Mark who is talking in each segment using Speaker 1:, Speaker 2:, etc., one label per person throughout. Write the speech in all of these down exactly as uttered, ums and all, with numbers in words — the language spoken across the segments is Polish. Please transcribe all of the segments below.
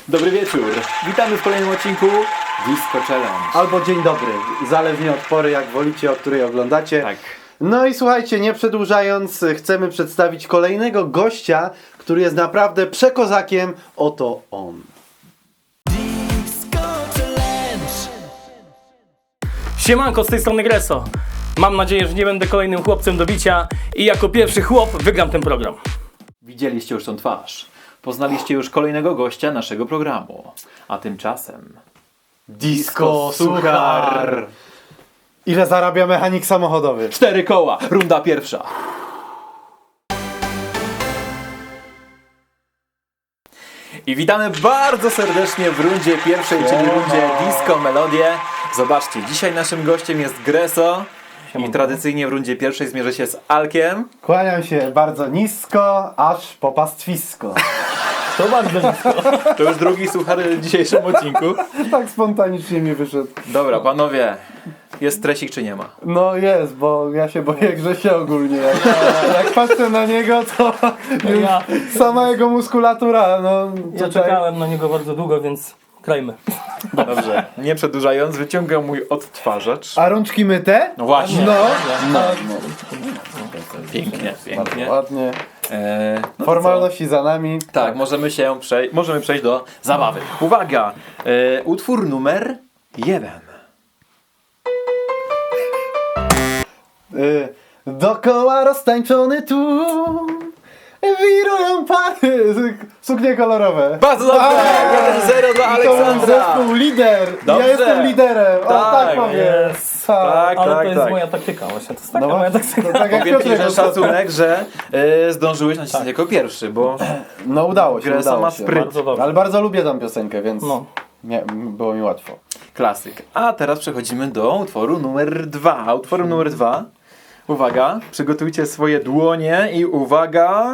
Speaker 1: Dobry wieczór. Witamy w kolejnym odcinku Disco Challenge.
Speaker 2: Albo dzień dobry, zależnie od pory, jak wolicie, o której oglądacie.
Speaker 1: Tak.
Speaker 2: No i słuchajcie, nie przedłużając, chcemy przedstawić kolejnego gościa, który jest naprawdę przekozakiem. Oto on.
Speaker 3: Siemanko, z tej strony Greso. Mam nadzieję, że nie będę kolejnym chłopcem do bicia i jako pierwszy chłop wygram ten program.
Speaker 1: Widzieliście już tą twarz. Poznaliście już kolejnego gościa naszego programu. A tymczasem...
Speaker 2: Disco Suchar. Ile zarabia mechanik samochodowy?
Speaker 1: Cztery koła, runda pierwsza. I witamy bardzo serdecznie w rundzie pierwszej, czyli rundzie Disco Melodie. Zobaczcie, dzisiaj naszym gościem jest Greso. I tradycyjnie w rundzie pierwszej zmierzę się z Alkiem.
Speaker 2: Kłaniam się bardzo nisko, aż po pastwisko.
Speaker 3: To bardzo nisko.
Speaker 1: To już drugi suchar w dzisiejszym odcinku.
Speaker 2: Tak spontanicznie mi wyszedł.
Speaker 1: Dobra, panowie, jest stresik czy nie ma?
Speaker 2: No jest, bo ja się boję Grzesia ogólnie. Jak, jak patrzę na niego, to już
Speaker 3: Ja-
Speaker 2: sama jego muskulatura, no
Speaker 3: Ja
Speaker 2: tutaj...
Speaker 3: czekałem na niego bardzo długo, więc krajmy.
Speaker 1: Dobrze, nie przedłużając, wyciągam mój odtwarzacz.
Speaker 2: A rączki myte?
Speaker 1: No właśnie.
Speaker 2: No, no, no.
Speaker 1: Pięknie, pięknie.
Speaker 2: Ładnie.
Speaker 1: Eee, no to
Speaker 2: Formalności za nami.
Speaker 1: co? Tak, możemy się przejść, możemy przejść do zabawy. Uwaga, e, utwór numer jeden.
Speaker 2: Y, Dokoła roztańczony tu wirują pary. Suknie kolorowe.
Speaker 1: Bardzo dobrze, jeden zero dla
Speaker 2: I to był
Speaker 1: Aleksandra.
Speaker 2: zespół lider.
Speaker 1: Dobrze.
Speaker 2: Ja jestem liderem. O,
Speaker 1: Tak,
Speaker 2: tak powiem.
Speaker 3: jest.
Speaker 1: Tak,
Speaker 3: Ale
Speaker 1: tak,
Speaker 3: to jest
Speaker 1: tak.
Speaker 3: moja taktyka właśnie. To jest taka
Speaker 2: No
Speaker 3: moja
Speaker 2: właśnie,
Speaker 3: taktyka.
Speaker 2: to tak jak
Speaker 1: Powiem ci,
Speaker 2: Piotrek.
Speaker 1: że szacunek, że e, zdążyłeś nacisnąć jako pierwszy, bo
Speaker 2: No udało się,
Speaker 1: Gresa
Speaker 2: udało
Speaker 1: ma
Speaker 2: się.
Speaker 1: spryt.
Speaker 3: Bardzo dobrze.
Speaker 2: Ale bardzo lubię tą piosenkę, więc
Speaker 3: No.
Speaker 2: nie, było mi łatwo.
Speaker 1: klasyk. A teraz przechodzimy do utworu numer dwa. A utworem numer dwa, uwaga, przygotujcie swoje dłonie i uwaga...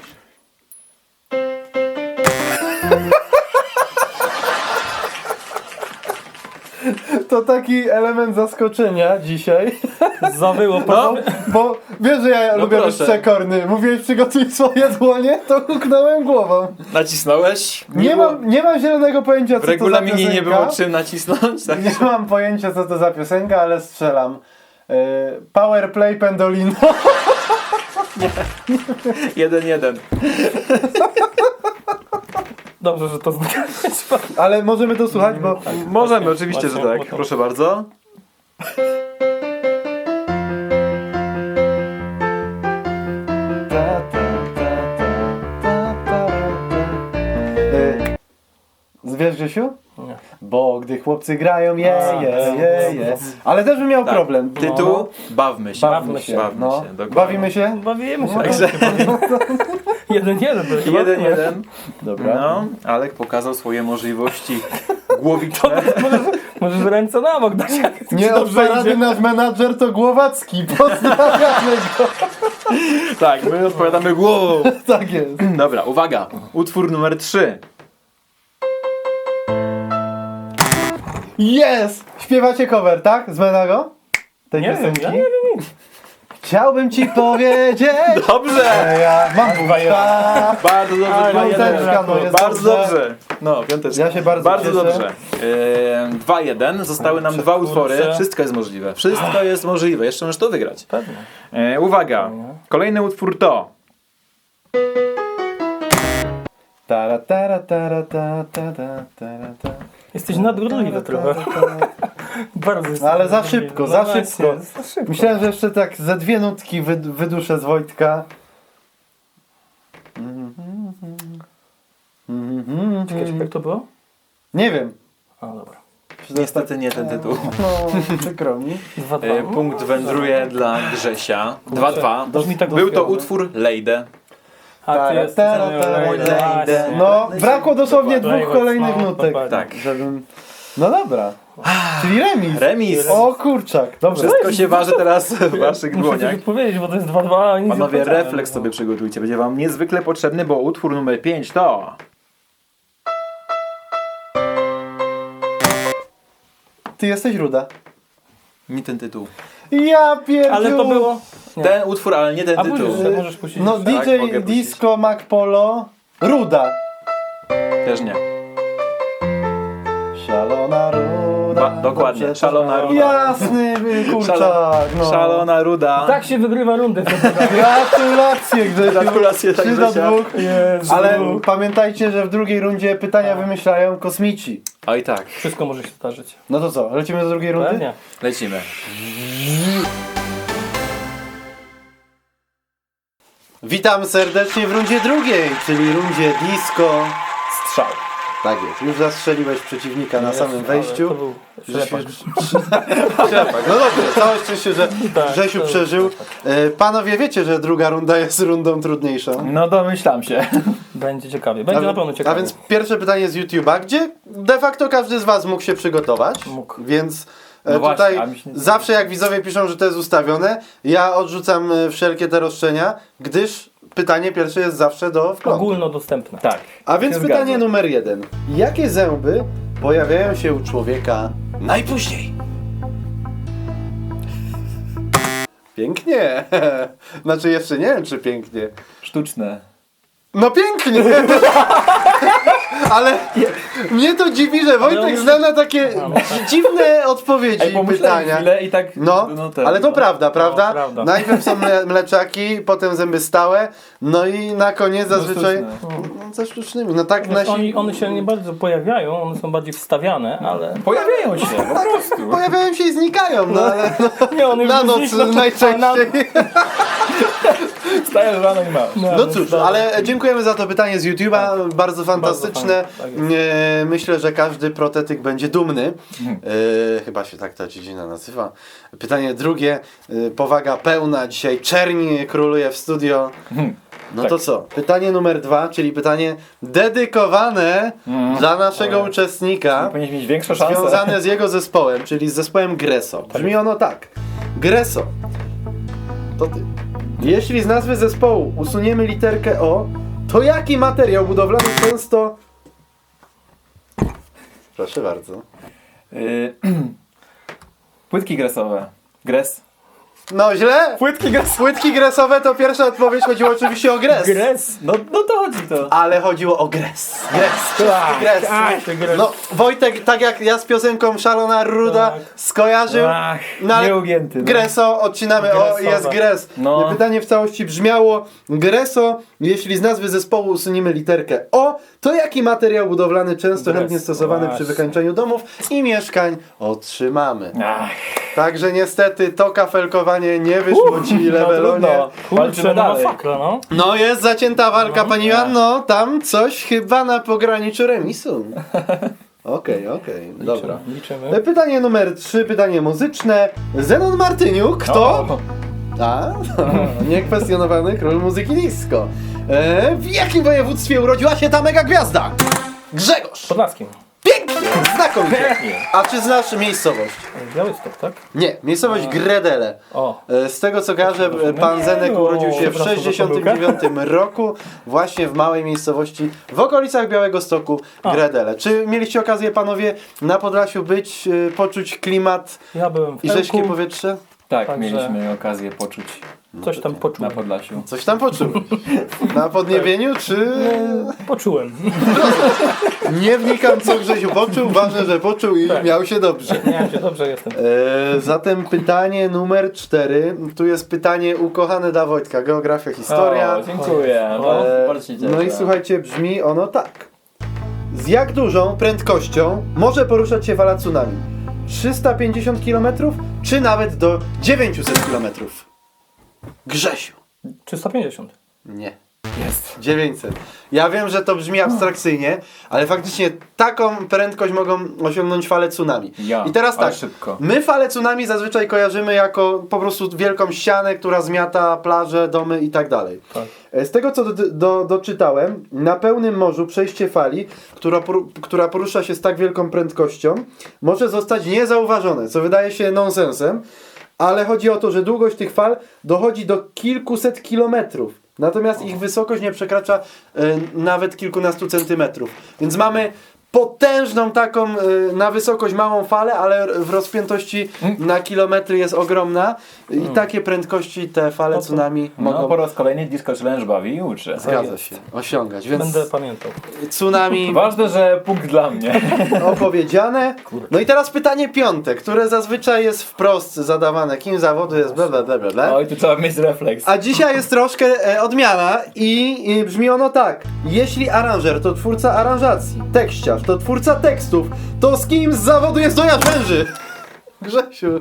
Speaker 2: To taki element zaskoczenia dzisiaj.
Speaker 3: Zawyło po
Speaker 1: No.
Speaker 2: Bo wiesz, że ja lubię być
Speaker 1: proszę.
Speaker 2: przekorny. Mówiłeś, przygotuj swoje dłonie, to huknąłem głową.
Speaker 1: Nacisnąłeś?
Speaker 2: Nie,
Speaker 1: było-
Speaker 2: mam, nie mam zielonego pojęcia, co
Speaker 1: W
Speaker 2: to za
Speaker 1: regulaminie
Speaker 2: piosenka.
Speaker 1: nie było czym nacisnąć. Tak?
Speaker 2: Nie mam pojęcia, co to za piosenka, ale strzelam. Yy, Power Play Pendolino.
Speaker 1: Jeden, jeden.
Speaker 3: Dobrze, że to zgadłeś.
Speaker 2: Ale możemy to słuchać, bo...
Speaker 1: Możemy,
Speaker 3: właśnie,
Speaker 1: oczywiście,
Speaker 3: właśnie,
Speaker 1: że
Speaker 3: bo
Speaker 1: tak.
Speaker 3: to-
Speaker 1: Proszę bardzo.
Speaker 2: Ta, ta, ta, ta, ta, ta, ta. Yy, Wiesz, Grzesiu?
Speaker 3: Nie.
Speaker 2: Bo gdy chłopcy grają, je,
Speaker 3: A,
Speaker 2: je,
Speaker 3: no,
Speaker 2: je, je. Ale też bym miał
Speaker 1: Tak.
Speaker 2: problem.
Speaker 1: Tytuł Bawmy się.
Speaker 3: Bawmy się.
Speaker 1: Bawmy
Speaker 2: No.
Speaker 1: się, dokładnie.
Speaker 2: Bawimy się?
Speaker 3: Bawimy się.
Speaker 1: Także
Speaker 3: Jeden, jeden. to chyba.
Speaker 1: jeden, jeden.
Speaker 2: Dobra.
Speaker 1: No, Alek pokazał swoje możliwości głowiczne.
Speaker 3: Możesz, możesz ręce na bok dać. jak ci
Speaker 2: Nie
Speaker 3: dobrze
Speaker 2: od parady
Speaker 3: idzie.
Speaker 2: nasz menadżer to Głowacki. Pozdrawiamy go.
Speaker 1: Tak, my odpowiadamy głową.
Speaker 2: Tak jest.
Speaker 1: Dobra, uwaga. Utwór numer trzy.
Speaker 2: Jest! Śpiewacie cover, tak? Z Menago? Tej
Speaker 3: Nie wiem,
Speaker 2: piosenki?
Speaker 3: ja nie wiem nic.
Speaker 2: Chciałbym ci powiedzieć...
Speaker 1: Dobrze!
Speaker 2: że ja mam buta.
Speaker 1: Bardzo dobrze,
Speaker 3: Ale
Speaker 1: dwa jeden.
Speaker 2: piąteczka, no jest
Speaker 1: Bardzo
Speaker 2: dobrze.
Speaker 1: dobrze. No, piąteczka.
Speaker 2: Ja się bardzo
Speaker 1: Bardzo
Speaker 2: cieszę.
Speaker 1: dobrze. Eee, dwa jeden. Zostały nam dwa utwory.
Speaker 3: Kurczę.
Speaker 1: Wszystko jest możliwe. Wszystko jest możliwe. Jeszcze możesz to wygrać.
Speaker 3: Pewnie.
Speaker 1: Eee, uwaga. Kolejny utwór to...
Speaker 2: Tara, tara, tara, ta, ta, ta, tara, ta.
Speaker 3: Jesteś nadgorliwy trochę. Bardzo jesteś
Speaker 2: Ale za
Speaker 3: nadgorliwy.
Speaker 2: szybko,
Speaker 3: No
Speaker 2: za
Speaker 3: właśnie,
Speaker 2: szybko.
Speaker 3: za szybko.
Speaker 2: Myślałem, że jeszcze tak ze dwie nutki wy, wyduszę z Wojtka.
Speaker 3: Czekaj, jak to było?
Speaker 2: Nie wiem.
Speaker 3: A, dobra.
Speaker 1: Niestety nie ten tytuł.
Speaker 2: No, przykro mi.
Speaker 3: Dwa, dwa.
Speaker 1: Eee, punkt wędruje dla Grzesia. dwa dwa.
Speaker 3: Brzmi tak
Speaker 1: Był to
Speaker 3: dopiero,
Speaker 1: utwór Lejdę.
Speaker 3: A ty
Speaker 2: Tara,
Speaker 3: jesteś...
Speaker 2: tara, tara,
Speaker 3: Właśnie.
Speaker 2: No, brakło dosłownie dwóch
Speaker 3: Dokładnie.
Speaker 2: kolejnych
Speaker 3: No,
Speaker 2: nutek.
Speaker 3: dokładnie.
Speaker 1: Tak.
Speaker 2: Żebym... No dobra. Czyli remis.
Speaker 1: Remis.
Speaker 2: O kurczak, dobra.
Speaker 1: Wszystko się waży teraz w waszych
Speaker 3: Muszę
Speaker 1: dłoniach.
Speaker 3: coś odpowiedzieć, bo to jest dwa dwa, a nic nie
Speaker 1: Panowie,
Speaker 3: odpowiedziałem.
Speaker 1: refleks sobie przygotujcie. Będzie wam niezwykle potrzebny, bo utwór numer pięć to...
Speaker 2: Ty jesteś ruda.
Speaker 1: Nie ten tytuł.
Speaker 2: Ja pierdziu.
Speaker 3: Ale to było... Nie.
Speaker 1: Ten utwór, ale nie ten
Speaker 3: A
Speaker 1: tytuł.
Speaker 3: później możesz puścić.
Speaker 2: No
Speaker 3: jeszcze.
Speaker 1: Tak,
Speaker 2: D J
Speaker 1: mogę puścić.
Speaker 2: Disco Mac Polo. Ruda.
Speaker 1: Też nie. Dokładnie,
Speaker 2: Dobrze,
Speaker 1: szalona
Speaker 2: to-
Speaker 1: ruda.
Speaker 2: Jasny kurczak, no.
Speaker 1: Szalona ruda.
Speaker 3: Tak się wygrywa rundę.
Speaker 2: Gratulacje Grzesiu.
Speaker 1: Gratulacje, tak,
Speaker 2: trzy do
Speaker 1: Grzesia.
Speaker 2: dwóch.
Speaker 3: Jezu.
Speaker 2: Ale pamiętajcie, że w drugiej rundzie pytania wymyślają kosmici.
Speaker 1: Oj tak,
Speaker 3: Wszystko może się zdarzyć.
Speaker 2: No to co, lecimy do drugiej rundy?
Speaker 3: Pewnie.
Speaker 1: lecimy.
Speaker 2: Witam serdecznie w rundzie drugiej, czyli rundzie disco.
Speaker 1: Strzał.
Speaker 2: Tak jest, już zastrzeliłeś przeciwnika na samym
Speaker 3: Ale
Speaker 2: wejściu.
Speaker 3: To był ślepak.
Speaker 2: Trzepak. No dobrze, całe szczęście, że
Speaker 3: Tak,
Speaker 2: Grzesiu
Speaker 3: to-
Speaker 2: przeżył. E, Panowie wiecie, że druga runda jest rundą trudniejszą.
Speaker 1: No domyślam się.
Speaker 3: Będzie ciekawie. Będzie
Speaker 2: A,
Speaker 3: na pewno ciekawie.
Speaker 2: a więc pierwsze pytanie z YouTube'a, gdzie de facto każdy z Was mógł się przygotować.
Speaker 3: Mógł.
Speaker 2: Więc e,
Speaker 1: No właśnie,
Speaker 2: tutaj
Speaker 1: a mi się nie-
Speaker 2: zawsze jak widzowie piszą, że to jest ustawione, ja odrzucam e, wszelkie te roszczenia, gdyż pytanie pierwsze jest zawsze do wglądu.
Speaker 3: Ogólnodostępne.
Speaker 1: Tak.
Speaker 2: A więc
Speaker 1: się
Speaker 2: pytanie
Speaker 1: zgadzam.
Speaker 2: numer jeden. Jakie zęby pojawiają się u człowieka najpóźniej? Pięknie. Znaczy jeszcze nie wiem, czy pięknie.
Speaker 1: Sztuczne.
Speaker 2: No pięknie! Ale mnie to dziwi, że Wojtek
Speaker 3: on-
Speaker 2: zna na takie dziwne odpowiedzi
Speaker 1: Ej,
Speaker 2: i
Speaker 1: pomyślałem
Speaker 2: pytania.
Speaker 1: chwilę i tak...
Speaker 2: No,
Speaker 1: ten,
Speaker 2: ale to
Speaker 1: no.
Speaker 2: prawda, prawda?
Speaker 3: prawda.
Speaker 2: Najpierw są mle mleczaki, potem zęby stałe, no i na koniec zazwyczaj
Speaker 1: sztuczne.
Speaker 2: no, ze sztucznymi. No tak
Speaker 3: Znaczy,
Speaker 2: nasi...
Speaker 3: oni, one się nie bardzo pojawiają, one są bardziej wstawiane, ale...
Speaker 1: Pojawiają się, po prostu.
Speaker 2: Pojawiają się i znikają, no ale
Speaker 3: Nie, one
Speaker 2: na
Speaker 3: już
Speaker 2: noc
Speaker 3: znikną,
Speaker 2: najczęściej.
Speaker 3: na-
Speaker 1: Stajesz rano i masz.
Speaker 2: No cóż, ale dziękujemy za to pytanie z YouTube'a, bardzo fantastyczne.
Speaker 3: Bardzo fajne, tak jest.
Speaker 2: E, Myślę, że każdy protetyk będzie dumny.
Speaker 1: Mhm.
Speaker 2: E, Chyba się tak ta dziedzina nazywa. Pytanie drugie, e, powaga pełna, dzisiaj czerni króluje w studio. No
Speaker 1: tak.
Speaker 2: to co? Pytanie numer dwa, czyli pytanie dedykowane
Speaker 1: Mhm.
Speaker 2: dla naszego uczestnika.
Speaker 1: Powinieneś mieć większą szansę.
Speaker 2: Związane z jego zespołem, czyli z zespołem Greso. Brzmi ono tak. Greso. To ty. Jeśli z nazwy zespołu usuniemy literkę O, to jaki materiał budowlany często... Proszę bardzo.
Speaker 1: Y, Płytki gresowe. Gres.
Speaker 2: No źle!
Speaker 1: Płytki gresowe.
Speaker 2: Płytki gresowe to pierwsza odpowiedź, chodziło oczywiście o gres.
Speaker 1: Gres. No, no to chodzi to.
Speaker 2: Ale chodziło o gres. Gres, czysty gres.
Speaker 3: Ach, ty gres.
Speaker 2: No Wojtek, tak jak ja z piosenką Szalona Ruda
Speaker 3: Tak.
Speaker 2: skojarzył.
Speaker 1: Ach,
Speaker 2: No ale
Speaker 1: nieugięty. No.
Speaker 2: Greso, odcinamy O,
Speaker 3: Gresowe.
Speaker 2: jest gres.
Speaker 1: No.
Speaker 2: Pytanie w całości brzmiało: Greso, jeśli z nazwy zespołu usuniemy literkę O, to jaki materiał budowlany często
Speaker 3: Gres,
Speaker 2: chętnie stosowany
Speaker 3: właśnie.
Speaker 2: przy wykańczaniu domów i mieszkań otrzymamy?
Speaker 1: Ach,
Speaker 2: Także niestety to kafelkowanie nie wyszło ci,
Speaker 1: no
Speaker 2: Lewelonie.
Speaker 1: trudno.
Speaker 3: Kurczę,
Speaker 1: Walczymy
Speaker 3: no
Speaker 1: dalej.
Speaker 3: masakra, no.
Speaker 2: No jest zacięta walka, pani Joanno, tam coś chyba na pograniczu remisu. Okej, okej, dobra.
Speaker 3: Liczymy.
Speaker 2: Pytanie numer trzy, pytanie muzyczne. Zenon Martyniuk, kto?
Speaker 1: O,
Speaker 2: A, niekwestionowany król muzyki disco. E, w jakim województwie urodziła się ta mega gwiazda? Grzegorz!
Speaker 3: Podlaskim.
Speaker 2: Pięknie! Znakomicie! A czy znasz miejscowość?
Speaker 3: Białystok, tak?
Speaker 2: Nie, miejscowość Gredele.
Speaker 3: O.
Speaker 2: E, Z tego co kojarzę, e, pan
Speaker 3: Nie,
Speaker 2: Zenek
Speaker 3: no,
Speaker 2: urodził się w
Speaker 3: przepraszam za
Speaker 2: sześćdziesiątym dziewiątym roku właśnie w małej miejscowości w okolicach Białegostoku, Gredele. Czy mieliście okazję panowie na Podlasiu być, e, poczuć klimat
Speaker 3: Ja byłem w
Speaker 2: i rześkie
Speaker 3: Elku,
Speaker 2: powietrze?
Speaker 1: tak,
Speaker 3: Także-
Speaker 1: mieliśmy okazję poczuć
Speaker 3: coś tam
Speaker 1: na
Speaker 3: poczułem.
Speaker 1: Podlasiu.
Speaker 2: Coś tam poczułeś? Na podniebieniu czy...
Speaker 3: Poczułem.
Speaker 2: Nie wnikam co Grzesiu poczuł, ważne, że poczuł i
Speaker 3: Tak.
Speaker 2: miał się dobrze.
Speaker 3: Nie, się dobrze jestem.
Speaker 2: E, zatem pytanie numer cztery. Tu jest pytanie ukochane dla Wojtka. Geografia, historia.
Speaker 1: O, dziękuję.
Speaker 3: O,
Speaker 2: E,
Speaker 1: bardzo się cieszę.
Speaker 2: no i słuchajcie, brzmi ono tak. Z jak dużą prędkością może poruszać się fala tsunami? trzysta pięćdziesiąt kilometrów czy nawet do dziewięćset kilometrów? Grzesiu.
Speaker 3: trzysta pięćdziesiąt.
Speaker 2: Nie.
Speaker 1: Jest.
Speaker 2: dziewięćset. Ja wiem, że to brzmi abstrakcyjnie, ale faktycznie taką prędkość mogą osiągnąć fale tsunami.
Speaker 1: Ja,
Speaker 2: I teraz
Speaker 1: ale
Speaker 2: tak,
Speaker 1: szybko.
Speaker 2: my fale tsunami zazwyczaj kojarzymy jako po prostu wielką ścianę, która zmiata plaże, domy i tak dalej.
Speaker 3: Tak.
Speaker 2: Z tego co do, do, doczytałem, na pełnym morzu przejście fali, która, poru- która porusza się z tak wielką prędkością, może zostać niezauważone, co wydaje się nonsensem, ale chodzi o to, że długość tych fal dochodzi do kilkuset kilometrów. Natomiast ich wysokość nie przekracza e, nawet kilkunastu centymetrów. Więc mamy potężną taką y, na wysokość małą falę, ale w rozpiętości na kilometry jest ogromna i takie prędkości te fale tsunami
Speaker 1: No
Speaker 2: mogą,
Speaker 1: po raz kolejny Disco Challenge bawi i uczy.
Speaker 2: zgadza się, osiągać, więc
Speaker 3: Będę pamiętał.
Speaker 2: tsunami
Speaker 1: Ważne, że punkt dla mnie.
Speaker 2: opowiedziane. No i teraz pytanie piąte, które zazwyczaj jest wprost zadawane, kim zawodu jest bla bla bla bla bla.
Speaker 1: Oj, tu trzeba mieć refleks.
Speaker 2: A dzisiaj jest troszkę e, odmiana i, i brzmi ono tak. Jeśli aranżer to twórca aranżacji, tekściarz to twórca tekstów, to z kim z zawodu jest dojazd węży? Grzesiu.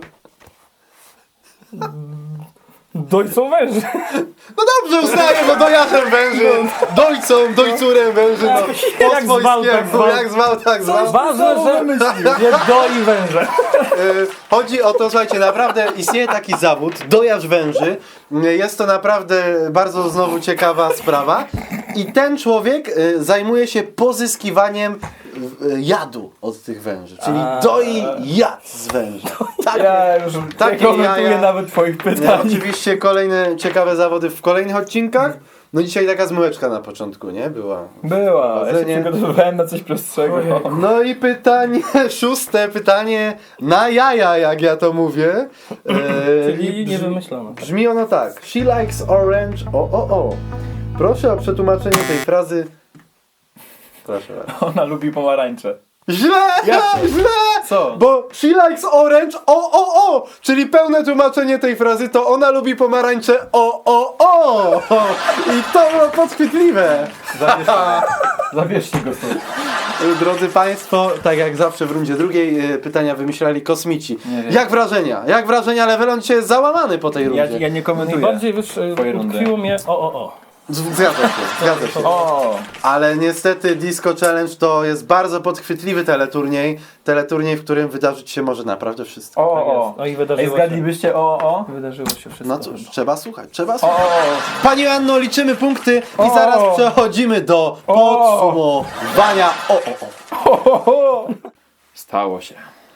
Speaker 3: Dojcą węży.
Speaker 2: No dobrze, uznaję, bo dojazdem węży, dojcą, dojcurem węży, no. Po
Speaker 3: Jak zwał, tak
Speaker 2: swojskiemu,
Speaker 3: zwał.
Speaker 2: jak zwał, tak zwał.
Speaker 3: Ważne, że nie doi węże.
Speaker 2: E, Chodzi o to, słuchajcie, naprawdę istnieje taki zawód, dojarz węży. Jest to naprawdę bardzo znowu ciekawa sprawa. I ten człowiek e, zajmuje się pozyskiwaniem e, jadu od tych węży. Czyli
Speaker 3: A.
Speaker 2: doi jad z węży. Takie,
Speaker 1: Ja już
Speaker 2: takie
Speaker 1: nie komentuję
Speaker 2: jaja.
Speaker 1: nawet twoich
Speaker 2: e,
Speaker 1: pytań.
Speaker 2: Oczywiście kolejne ciekawe zawody w kolejnych odcinkach. No dzisiaj taka zmyłeczka na początku, nie? Była.
Speaker 1: Była, ja się
Speaker 2: Powodzenie.
Speaker 1: przygotowywałem na coś prostszego.
Speaker 2: No i pytanie szóste, pytanie na jaja, jak ja to mówię. E,
Speaker 3: Czyli
Speaker 2: i
Speaker 3: nie
Speaker 2: brzmi-
Speaker 3: wymyślono.
Speaker 2: Brzmi ono tak. She likes orange, o o o. Proszę o przetłumaczenie tej frazy. Proszę bardzo.
Speaker 1: Ona lubi pomarańcze.
Speaker 2: Źle!
Speaker 1: Jak to?
Speaker 2: Źle!
Speaker 1: Co?
Speaker 2: Bo she likes orange, o o o! Czyli pełne tłumaczenie tej frazy to ona lubi pomarańcze, o o o! I to było podchwytliwe.
Speaker 1: Zabierzcie go stąd.
Speaker 2: Drodzy Państwo, tak jak zawsze w rundzie drugiej e, pytania wymyślali kosmici.
Speaker 1: Nie wiem.
Speaker 2: Jak wrażenia? Jak wrażenia? Levelon dzisiaj jest załamany po tej
Speaker 1: Ja,
Speaker 2: rundzie.
Speaker 1: ja nie komentuję.
Speaker 3: Najbardziej wyższe
Speaker 1: Twoje rundy.
Speaker 3: utkwiło mnie o o o.
Speaker 2: Zgadza się, zgadza się.
Speaker 1: O!
Speaker 2: Ale niestety Disco Challenge to jest bardzo podchwytliwy teleturniej. Teleturniej, w którym wydarzyć się może naprawdę wszystko.
Speaker 1: O,
Speaker 3: Tak
Speaker 1: o.
Speaker 3: jest. No i
Speaker 1: Ej,
Speaker 3: wydarzyło się.
Speaker 1: zgadlibyście o, o?
Speaker 3: Wydarzyło się wszystko.
Speaker 2: No cóż, trzeba słuchać, trzeba
Speaker 1: O,
Speaker 2: słuchać.
Speaker 1: o.
Speaker 2: Pani Anno, liczymy punkty i
Speaker 1: O.
Speaker 2: zaraz przechodzimy do podsumowania. O, o, o.
Speaker 1: Ho, ho, ho. Stało się.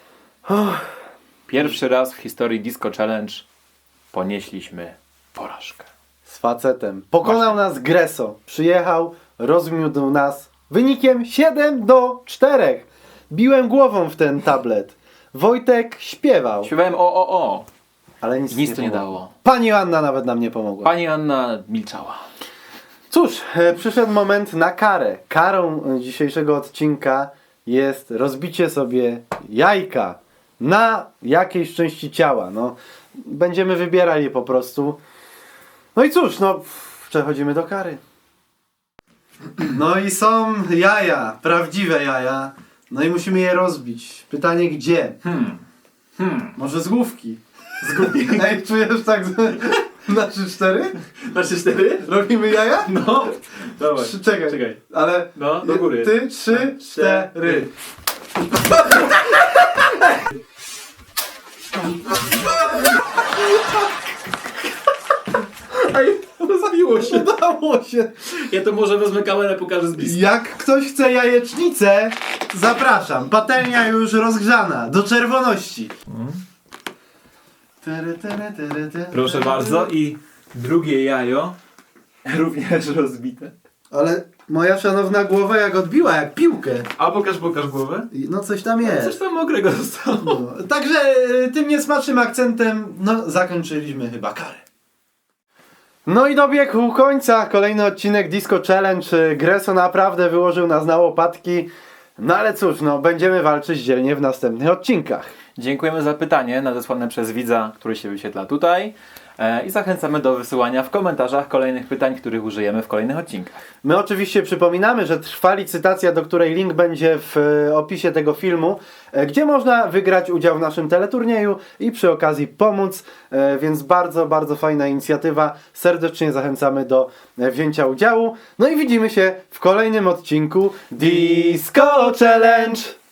Speaker 1: Pierwszy raz w historii Disco Challenge ponieśliśmy porażkę.
Speaker 2: Z facetem. Pokonał nas Greso. Przyjechał, rozmiódł nas wynikiem siedem do czterech. Biłem głową w ten tablet. Wojtek śpiewał,
Speaker 1: Śpiewałem o, o, o.
Speaker 2: ale nic,
Speaker 1: Nic to nie
Speaker 2: pomogło.
Speaker 1: dało.
Speaker 2: Pani Anna nawet nam nie pomogła.
Speaker 1: Pani Anna milczała.
Speaker 2: Cóż, e, przyszedł moment na karę. Karą e, dzisiejszego odcinka jest rozbicie sobie jajka na jakiejś części ciała. No, będziemy wybierali po prostu. No i cóż, no, przechodzimy do kary. No i są jaja, prawdziwe jaja. No i musimy je rozbić. Pytanie gdzie?
Speaker 1: Hmm. Hmm.
Speaker 2: Może z główki? Z główki. Ej, czujesz tak z... na trzy cztery?
Speaker 1: Na trzy cztery?
Speaker 2: Robimy jaja?
Speaker 1: No. Dawaj.
Speaker 2: Trzy, czekaj.
Speaker 1: Czekaj.
Speaker 2: Ale
Speaker 1: No, do góry.
Speaker 2: Ty, trzy, cztery.
Speaker 1: Ej, rozbiło się.
Speaker 2: Udało się.
Speaker 1: Ja to może wezmę kamerę, pokażę z bliska.
Speaker 2: Jak ktoś chce jajecznicę, zapraszam. Patelnia już rozgrzana do czerwoności. Tere, tere, tere, tere.
Speaker 1: Proszę bardzo i drugie jajo również rozbite.
Speaker 2: Ale moja szanowna głowa jak odbiła, jak piłkę.
Speaker 1: A pokaż, pokaż głowę.
Speaker 2: No coś tam jest.
Speaker 1: Coś tam mokrego zostało.
Speaker 2: No, także y, tym niesmacznym akcentem, no zakończyliśmy chyba karę. No i dobiegł końca kolejny odcinek Disco Challenge. Greso naprawdę wyłożył nas na łopatki. No ale cóż, no będziemy walczyć dzielnie w następnych odcinkach.
Speaker 1: Dziękujemy za pytanie nadesłane przez widza, który się wyświetla tutaj. E, I zachęcamy do wysyłania w komentarzach kolejnych pytań, których użyjemy w kolejnych odcinkach.
Speaker 2: My oczywiście przypominamy, że trwa licytacja, do której link będzie w e, opisie tego filmu, e, gdzie można wygrać udział w naszym teleturnieju i przy okazji pomóc, e, więc bardzo, bardzo fajna inicjatywa. Serdecznie zachęcamy do e, wzięcia udziału. No i widzimy się w kolejnym odcinku Disco Challenge!